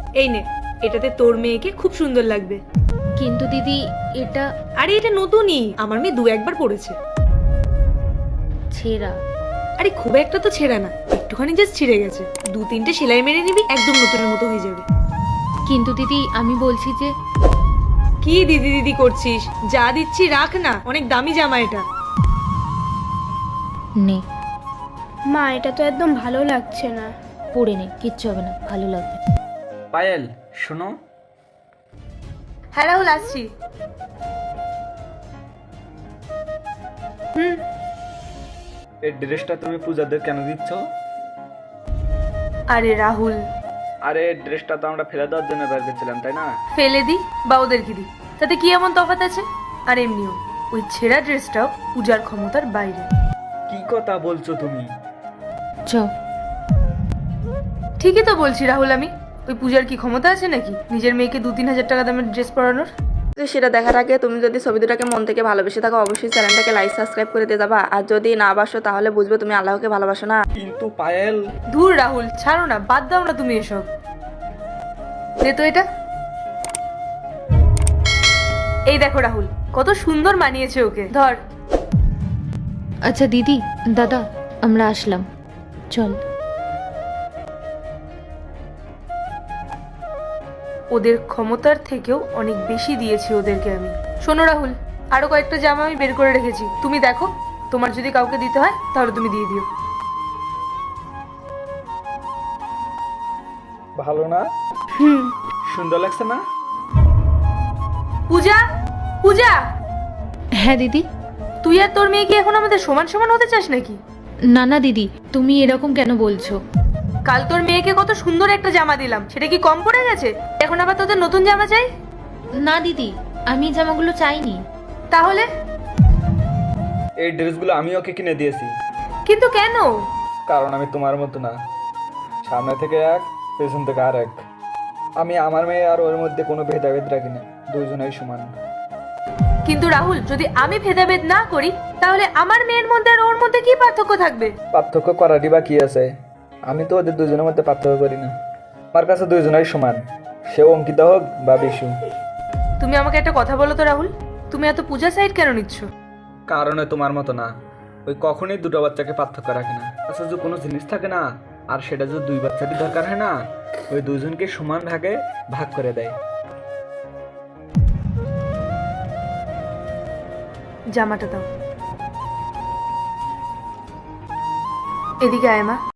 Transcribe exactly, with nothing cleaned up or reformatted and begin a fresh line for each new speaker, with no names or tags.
এই নে, এটাতে তোর মেয়েকে খুব সুন্দর লাগবে।
কিন্তু দিদি এটা
আরে এটা নতুনই, আমার মেয়ে দু একবার পড়েছে।
ছেঁড়া।
আরে খুব একটা তো ছেঁড়া না, একটুখানি জাস্ট ছিঁড়ে গেছে। দু তিনটে সেলাই মেরে নিবি, একদম নতুনের মতো হয়ে যাবে।
কিন্তু দিদি আমি বলছি যে
কি দিদি দিদি করছিস? যা দিচ্ছি রাখ না, অনেক দামি জামা এটা।
নে
মা এটা তো একদম ভালো লাগছে না।
পরে নে, কিচ্ছু হবে না, ভালো লাগবে।
পায়েল শোনো,
হ্যাঁ রাহুল, আসছি। হুম।
এই ড্রেসটা তুমি পূজাদের কেন দিচ্ছ?
আরে রাহুল,
আরে এই ড্রেসটা তো আমরা ফেলে দেওয়ার জন্য বের করছিলাম, তাই না?
ফেলে দি বা ওদেরকে দি, তাতে কি এমন তফাৎ আছে? আর এমনিও ওই ছেঁড়া ড্রেসটাও পূজার ক্ষমতার বাইরে।
কি কথা বলছো তুমি?
চ
ঠিকই তো বলছি রাহুল, আমি ওই পূজার কি ক্ষমতা আছে নাকি নিজের মেয়েকে দু তিন হাজার টাকা দামের ড্রেস পরানোর?
তো সেটা দেখার আগে তুমি যদি ছবি দুটাকে মন থেকে ভালোবেসে থাকো, অবশ্যই চ্যানেলটাকে লাইক সাবস্ক্রাইব করে দিয়ে যাবা। আর যদি না বাসো তাহলে বুঝবে তুমি আল্লাহকে ভালোবাসো না।
কিন্তু পায়েল,
ধুর রাহুল, ছাড়ো না, বাদ দাও না তুমি এসব। দে তো এটা। এই দেখো রাহুল, কত সুন্দর মানিয়েছে ওকে, ধর।
আচ্ছা দিদি, দাদা, আমরা আসলাম, চল।
ওদের ক্ষমতার থেকেও অনেক বেশি দিয়েছি ওদেরকে আমি। শোনো রাহুল, আরো কয়েকটা জামা আমি বের করে রেখেছি, তুমি দেখো, তোমার যদি কাউকে দিতে হয় তাহলে তুমি দিয়ে দিও।
ভালো না?
হুম।
সুন্দর লাগছে না?
পূজা, পূজা,
হ্যাঁ দিদি।
তুই আর তোর মেয়ে কি এখন আমাদের সমান সমান হতে চাস নাকি?
না না দিদি, তুমি এরকম কেন বলছো?
কাল তোর মেয়েকে কত সুন্দর একটা জামা দিলাম, সেটা কি কম পড়ে গেছে? এখন আবার তোদের নতুন জামা চাই?
না দিদি, আমি এই জামাগুলো চাইনি।
তাহলে?
এই ড্রেসগুলো আমি ওকে কিনে দিয়েছি,
কিন্তু কেন?
কারণ আমি তোমার মতো না। সামনে থেকে এক, পেছন থেকে আর এক। আমি আমার মেয়ে আর ওর মধ্যে কোনো ভেদাভেদ রাখি না, দুইজনেই সমান।
কিন্তু রাহুল, যদি আমি ভেদাভেদ না করি তাহলে আমার মেয়ের মধ্যে আর ওর মধ্যে কি পার্থক্য থাকবে?
পার্থক্য করারই বা কি আছে? আমি তো ওদের দুজনের মধ্যে পার্থক্য করি না। আমার কাছে দুইজনেই সমান, সে অঙ্কিতা হোক বা বিশু।
তুমি আমাকে একটা কথা বলো তো রাহুল, তুমি এত পূজা সাইড কেন নিচ্ছ?
কারণে তোমার মতো না, ওই কখনোই দুটো বাচ্চাকে পার্থক্য রাখে না। আচ্ছা, যে কোনো জিনিস থাকে না, আর সেটা যদি দুই বাচ্চারই দরকার হয় না, ওই দুইজনকে সমান ভাগে ভাগ করে দেয়।
জামাটা দাও। এদিকে আয় মা।